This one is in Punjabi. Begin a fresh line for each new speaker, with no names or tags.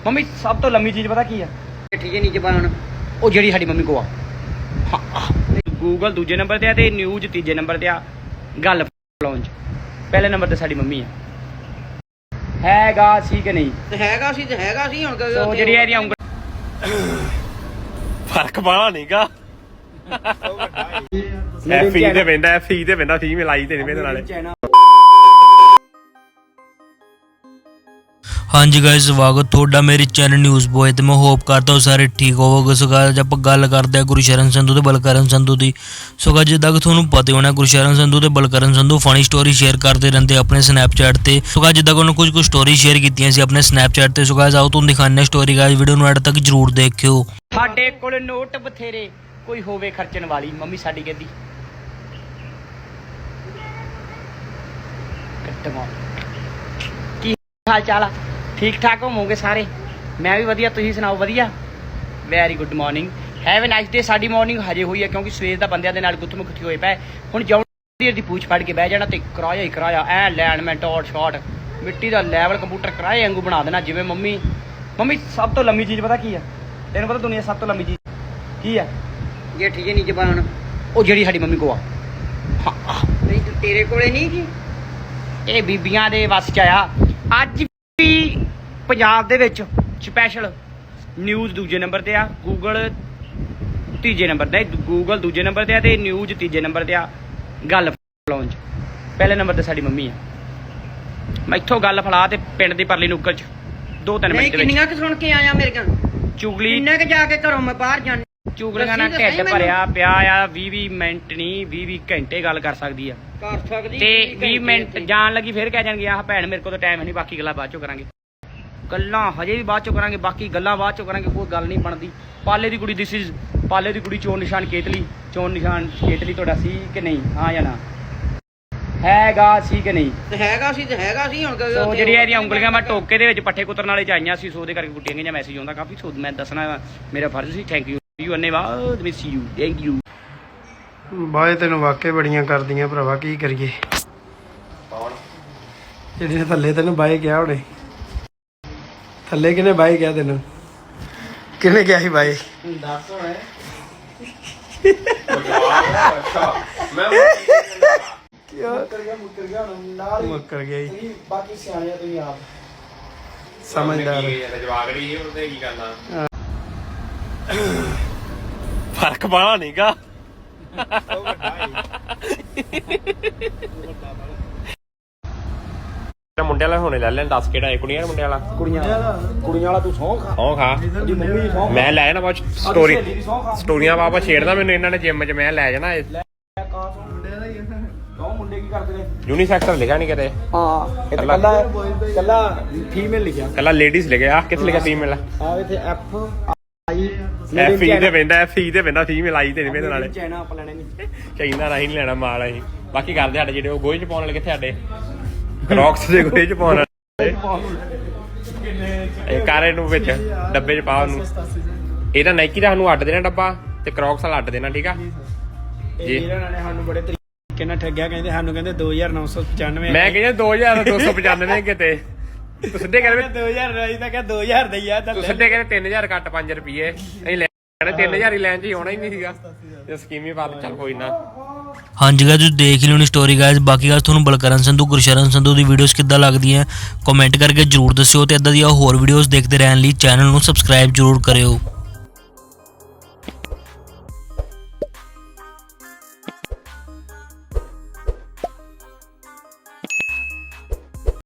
ਮੰਮੀ ਸਭ ਤੋਂ ਲੰਮੀ ਚੀਜ਼ ਪਤਾ ਕੀ ਆ?
ਠੀਕ ਹੈ ਨੀਚੇ ਪਾਉਣ
ਉਹ ਜਿਹੜੀ ਸਾਡੀ ਮੰਮੀ ਕੋ ਆ। ਗੂਗਲ ਦੂਜੇ ਨੰਬਰ ਤੇ ਆ ਤੇ ਨਿਊਜ਼ ਤੀਜੇ ਨੰਬਰ ਤੇ ਆ। ਗੱਲ ਲਾਉਂਚ ਪਹਿਲੇ ਨੰਬਰ ਤੇ ਸਾਡੀ ਮੰਮੀ ਆ। ਹੈਗਾ ਸੀ ਕਿ ਨਹੀਂ?
ਤੇ ਹੈਗਾ ਸੀ ਹੁਣ
ਸੋ ਜਿਹੜੀ ਇਹਦੀਆਂ ਉਂਗਲ
ਫਰਕ ਬਾਹਲਾ ਨਹੀਂਗਾ। ਐਫੀ ਤੇ ਪੈਂਦਾ ਫੀਮੇਲ ਆਈ ਤੇ ਨਹੀਂ ਪੈਂਦਾ ਨਾਲੇ।
हाँ जी गाइस, स्वागत ਤੁਹਾਡਾ ਮੇਰੇ ਚੈਨਲ ਨਿਊਜ਼ ਬੋਏ ਤੇ ਮੈਂ ਹੋਪ ਕਰਦਾ ਹਾਂ ਸਾਰੇ ਠੀਕ ਹੋਵੋਗੇ। ਸੋ गाइस ਆਪਾਂ ਗੱਲ ਕਰਦੇ ਹਾਂ ਗੁਰਸ਼ਰਨ ਸੰਧੂ ਤੇ ਬਲਕਰਨ ਸੰਧੂ ਦੀ। ਸੋ गाइस ਜਿੱਦਾਂ ਕਿ ਤੁਹਾਨੂੰ ਪਤਾ ਹੋਣਾ ਗੁਰਸ਼ਰਨ ਸੰਧੂ ਤੇ Balkaran Sandhu funny story share ਕਰਦੇ ਰਹਿੰਦੇ ਆਪਣੇ ਸਨੈਪਚੈਟ ਤੇ। ਸੋ गाइस ਜਿੱਦਾਂ ਕਿ ਉਹਨਾਂ ਕੁਝ ਸਟੋਰੀ ਸ਼ੇਅਰ ਕੀਤੀਆਂ ਸੀ ਆਪਣੇ ਸਨੈਪਚੈਟ ਤੇ। ਸੋ गाइस ਆਓ ਤੁਹਾਨੂੰ ਦਿਖਾਉਂਦੇ ਹਾਂ ਸਟੋਰੀ। गाइस ਵੀਡੀਓ ਨੂੰ ਐਡ ਤੱਕ ਜਰੂਰ ਦੇਖਿਓ।
ਸਾਡੇ ਕੋਲ ਨੋਟ ਬਥੇਰੇ ਕੋਈ ਹੋਵੇ ਖਰਚਣ ਵਾਲੀ। ਮੰਮੀ ਸਾਡੀ ਕਹਿੰਦੀ ਕੀ ਹਾਲ ਚਾਲ ਆ? ਠੀਕ ਠਾਕ ਹੋਵੋਗੇ ਸਾਰੇ? ਮੈਂ ਵੀ ਵਧੀਆ, ਤੁਸੀਂ ਸੁਣਾਓ? ਵਧੀਆ, very good morning, have a nice day. ਸਾਡੀ ਮਾਰਨਿੰਗ ਹਜੇ ਹੋਈ ਹੈ ਕਿਉਂਕਿ ਸਵੇਰ ਦਾ ਬੰਦਿਆਂ ਦੇ ਨਾਲ ਗੁੱਥਮ-ਗੁੱਥੀ ਹੋਏ ਪਏ। ਹੁਣ ਜਾਉਣ ਦੀ ਪੂਛ ਫੜ ਕੇ ਬਹਿ ਜਾਣਾ ਤੇ ਕਿਰਾਇਆ ਹੀ ਕਿਰਾਇਆ ਐ ਲੈਣ ਮੈਂ ਟੌਟ ਸ਼ਾਟ ਮਿੱਟੀ ਦਾ ਲੈਵਲ ਕੰਪਿਊਟਰ ਕਿਰਾਏ ਵਾਂਗੂ ਬਣਾ ਦੇਣਾ ਜਿਵੇਂ ਮੰਮੀ ਸਭ ਤੋਂ ਲੰਮੀ ਚੀਜ਼ ਪਤਾ ਕੀ ਆ? ਤੈਨੂੰ ਪਤਾ ਦੁਨੀਆ ਸਭ ਤੋਂ ਲੰਮੀ ਚੀਜ਼ ਕੀ ਆ?
ਜੇ ਠੀਕ ਹੈ ਨੀਚੇ ਪਾਉਣ
ਉਹ ਜਿਹੜੀ ਸਾਡੀ ਮੰਮੀ ਕੋ ਆ।
ਨਹੀਂ ਤੇਰੇ ਕੋਲੇ ਨਹੀਂ ਜੀ।
ਇਹ ਬੀਬੀਆਂ ਦੇ ਵੱਸ ਚ ਆਇਆ। ਅੱਜ ਵੀ ਪੰਜਾਬ ਦੇ ਵਿੱਚ ਸਪੈਸ਼ਲ ਨਿਊਜ਼ ਦੂਜੇ ਨੰਬਰ ਤੇ ਆ, ਗੂਗਲ ਤੀਜੇ ਨੰਬਰ ਤੇ। ਗੂਗਲ ਦੂਜੇ ਨੰਬਰ ਤੇ ਆ ਤੇ ਨਿਊਜ਼ ਤੀਜੇ ਨੰਬਰ ਤੇ ਆ। ਗੱਲ ਲਾਉਂਚ ਪਹਿਲੇ ਨੰਬਰ ਤੇ ਸਾਡੀ ਮੰਮੀ ਆ। ਮੈਂ ਇੱਥੋਂ ਗੱਲ ਫੜਾ ਤੇ ਪਿੰਡ ਦੀ ਪਰਲੀ ਨੁੱਕਰ ਚ 2-3 ਮਿੰਟ ਦੇ ਵਿੱਚ
ਕਿੰਨੀਆਂ ਕਿ ਸੁਣ ਕੇ ਆਇਆ ਮੇਰੇ ਕੋਲ
ਚੁਗਲੀ।
ਕਿੰਨੇ ਕਿ ਜਾ ਕੇ ਘਰੋਂ ਮੈਂ ਬਾਹਰ ਜਾਣ
ਚੁਗਲੀਆਂ ਨਾਲ ਢਿੱਡ ਭਰਿਆ ਪਿਆ ਆ। 20 ਮਿੰਟ ਨਹੀਂ 20 ਘੰਟੇ ਗੱਲ ਕਰ ਸਕਦੀ ਆ
ਕਰ ਸਕਦੀ
ਤੇ 20 ਮਿੰਟ ਜਾਣ ਲੱਗੀ ਫਿਰ ਕਹਿ ਜਾਣਗੇ ਆਹ ਭੈਣ ਮੇਰੇ ਕੋਲ ਤਾਂ ਟਾਈਮ ਨਹੀਂ, ਬਾਕੀ ਗੱਲਾਂ ਬਾਅਦ ਚੋਂ ਕਰਾਂਗੇ। ਗੱਲਾਂ ਹਜੇ ਵੀ ਬਾਅਦ ਚੋਂ ਕਰਾਂਗੇ, ਬਾਕੀ ਗੱਲਾਂ ਬਾਅਦ ਚੋਂ ਕਰਾਂਗੇ। ਕੋਈ ਗੱਲ ਨਹੀਂ ਬਣਦੀ। ਪਾਲੇ ਦੀ ਕੁੜੀ ਪਾਲੇ ਦੀ ਕੁੜੀ ਚੋਣ ਨਿਸ਼ਾਨ ਕੇਤਲੀ ਤੁਹਾਡਾ ਸੀ ਕਿ ਨਹੀਂ? ਹਾਂ ਜਾਂ ਨਾ? ਹੈਗਾ ਸੀ ਕਿ ਨਹੀਂ?
ਤੇ ਹੈਗਾ ਸੀ ਹੁਣ
ਸੋ ਜਿਹੜੀਆਂ ਇਹਦੀਆਂ ਉਂਗਲੀਆਂ ਮੈਂ ਟੋਕੇ ਦੇ ਵਿੱਚ ਪੱਠੇ ਕੁੱਤਰਨ ਵਾਲੇ ਚ ਆਈਆਂ ਸੀ, ਸੋ ਉਹਦੇ ਕਰਕੇ ਕੁੱਟੀਆਂ ਗਈਆਂ। ਮੈਸੇਜ ਆਉਂਦਾ ਕਾਫੀ, ਸੋ ਮੈਂ ਦੱਸਣਾ ਮੇਰਾ ਫਰਜ਼ ਸੀ। ਥੈਂਕ ਯੂ ਅੰਨੇਵਾਦ, miss you, thank you.
Bye ਤੈਨੂੰ ਵਾਕੇ ਬੜੀਆਂ ਕਰਦੀਆਂ ਭਰਾਵਾ, ਕੀ ਕਰੀਏ? ਜਿਹੜੇ ਥੱਲੇ ਤੈਨੂੰ ਬਾਏ ਕਿਹਾ ਉਹਨੇ, ਥੱਲੇ ਕਿਹਨੇ ਬਾਏ ਕਿਹਾ ਤੈਨੂੰ? ਕਿਹਨੇ ਕਿਹਾ ਸੀ ਬਾਏ?
ਦੱਸ ਹੁਣ
ਮੁੱਕਰ ਗਿਆ ਜੀ।
ਬਾਕੀ ਸਿਆਣੇ ਆ ਤੁਸੀਂ ਆਪ
ਸਮਝਦਾਰ
ਜਵਾਗੜੀ ਉਹਦੇ ਕੀ ਕਰਨਾ। ਫਰਕ ਬਾਹਲਾ ਨਹੀਂਗਾ। ਮੁੰਡੇ ਵਾਲਾ ਹੁਣੇ ਲੈ ਲੈਣ। ਦੱਸ ਕਿਹੜਾ ਹੈ? ਕੁੜੀਆਂ ਮੁੰਡੇ ਵਾਲਾ?
ਕੁੜੀਆਂ ਵਾਲਾ ਤੂੰ ਸੌਂ ਖਾ।
ਸੌਂ ਖਾ ਮੈਂ ਲੈ ਜਾਣਾ ਬਾਅਦ ਸਟੋਰੀਆਂ ਬਾਬਾ ਛੇੜਦਾ ਮੈਨੂੰ ਇਹਨਾਂ ਨੇ ਜਿੰਮ ਚ। ਮੈਂ ਲੈ ਜਾਣਾ
ਮੁੰਡੇ ਕੀ ਕਰਦੇ ਨੇ?
ਯੂਨੀਸੈਕਸ ਲਿਖਿਆ ਨਹੀਂ ਕਿਤੇ।
ਹਾਂ ਇਹ
ਕੱਲਾ ਫੀਮੇਲ ਲਿਖਿਆ।
ਕੱਲਾ ਲੇਡੀਜ਼ ਲਿਖਿਆ। ਕਿੱਥੇ ਲਿਖਿਆ ਫੀਮੇਲ?
ਆ ਇੱਥੇ ਐਫ ਆਈ
ਐਫੀ ਤੇ ਪੈਂਦਾ ਫੀਮੇਲ ਆਈ ਤੇ ਨਹੀਂ ਪੈਂਦਾ ਨਾਲੇ।
ਚਾਈਨਾ ਆਪਾਂ ਲੈਣੇ ਨਹੀਂ
ਚਾਹੀਦਾ ਨਹੀਂ ਲੈਣਾ ਮਾਲ ਅਸੀਂ। ਬਾਕੀ ਕਰਦੇ ਸਾਡੇ ਜਿਹੜੇ ਉਹ ਗੋਹੇ ਚ ਪਾਉਣ ਵਾਲੇ ਕਿੱਥੇ? ਸਾਡੇ ਕ੍ਰੌਕਸ ਦੇ ਗੋਹੇ ਚ ਪਾਉਣ ਵਾਲੇ। ਇਹ ਕਾਰੇ ਨੂੰ ਵਿੱਚ ਡੱਬੇ ਚ ਪਾ ਉਹਨੂੰ। ਇਹਦਾ ਨਾਈਕੀ ਦਾ ਸਾਨੂੰ ਅੱਡ ਦੇਣਾ ਡੱਬਾ ਤੇ ਕ੍ਰੌਕਸ ਵਾਲਾ ਅੱਡ ਦੇਣਾ, ਠੀਕ ਆ ਜੀ?
ਇਹਨਾਂ ਨੇ ਸਾਨੂੰ ਬੜੇ ਤਰੀਕੇ ਨਾਲ ਠੱਗਿਆ। ਕਹਿੰਦੇ ਸਾਨੂੰ ਕਹਿੰਦੇ 2995।
ਮੈਂ ਕਹਿੰਦਾ 2295 ਕਿਤੇ। ਤੂੰ ਸਿੱਧੇ ਕਹਿੰਦੇ
2000 ਰਾਈ ਤਾਂ ਕਿਹਾ 2000 ਦਾ ਹੀ ਆ।
ਤੂੰ ਸਿੱਧੇ ਕਹਿੰਦੇ 3000 ਘੱਟ 5 ਰੁਪਏ ਅਸੀਂ ਲੈਣੇ। 3000 ਹੀ ਲੈਣ ਚ ਹੋਣਾ ਹੀ ਨਹੀਂ ਸੀਗਾ। ਜੇ ਸਕੀਮ ਹੀ ਪਾ ਦੇ ਚੱਲ ਕੋਈ ਨਾ।
ਹਾਂਜੀ गाइस ਤੁਸੀਂ ਦੇਖ ਲਿਓ ਨੀ ਸਟੋਰੀ गाइस। ਬਾਕੀ गाइस ਤੁਹਾਨੂੰ ਬਲਕਰਨ ਸੰਧੂ ਗੁਰਸ਼ਰਨ ਸੰਧੂ ਦੀ ਵੀਡੀਓਜ਼ ਕਿੱਦਾਂ ਲੱਗਦੀਆਂ ਕਮੈਂਟ ਕਰਕੇ ਜਰੂਰ ਦੱਸਿਓ ਤੇ ਇਦਾਂ ਦੀਆਂ ਹੋਰ ਵੀਡੀਓਜ਼ ਦੇਖਦੇ ਰਹਿਣ ਲਈ ਚੈਨਲ ਨੂੰ ਸਬਸਕ੍ਰਾਈਬ ਜਰੂਰ ਕਰਿਓ।